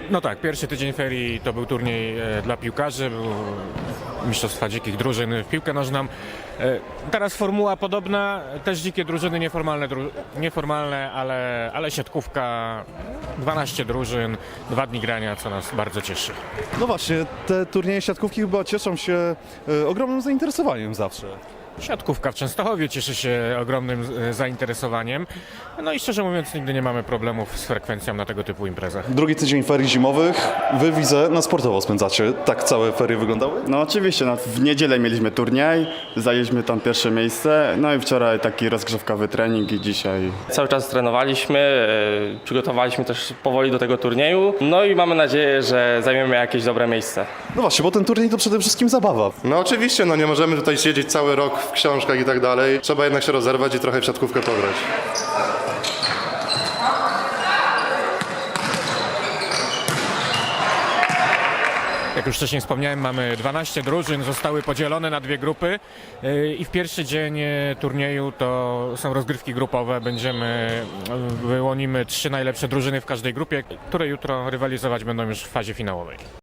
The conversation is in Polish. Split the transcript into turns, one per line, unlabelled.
No tak, pierwszy tydzień ferii to był turniej dla piłkarzy, był mistrzostwa dzikich drużyn w piłkę nożną. Teraz formuła podobna, też dzikie drużyny, nieformalne, ale siatkówka, 12 drużyn, 2 dni grania, co nas bardzo cieszy.
No właśnie, te turnieje siatkówki chyba cieszą się ogromnym zainteresowaniem zawsze.
Siatkówka w Częstochowie cieszy się ogromnym zainteresowaniem. No i szczerze mówiąc, nigdy nie mamy problemów z frekwencją na tego typu imprezach.
Drugi tydzień ferii zimowych, wy widzę, na sportowo spędzacie. Tak całe ferie wyglądały?
No oczywiście, w niedzielę mieliśmy turniej, zajęliśmy tam pierwsze miejsce, no i wczoraj taki rozgrzewkowy trening i dzisiaj.
Cały czas trenowaliśmy, przygotowaliśmy też powoli do tego turnieju, no i mamy nadzieję, że zajmiemy jakieś dobre miejsce.
No właśnie, bo ten turniej to przede wszystkim zabawa.
No oczywiście, no nie możemy tutaj siedzieć cały rok w książkach i tak dalej. Trzeba jednak się rozerwać i trochę w siatkówkę pograć.
Jak już wcześniej wspomniałem, mamy 12 drużyn, zostały podzielone na 2 grupy i w pierwszy dzień turnieju to są rozgrywki grupowe. Wyłonimy 3 najlepsze drużyny w każdej grupie, które jutro rywalizować będą już w fazie finałowej.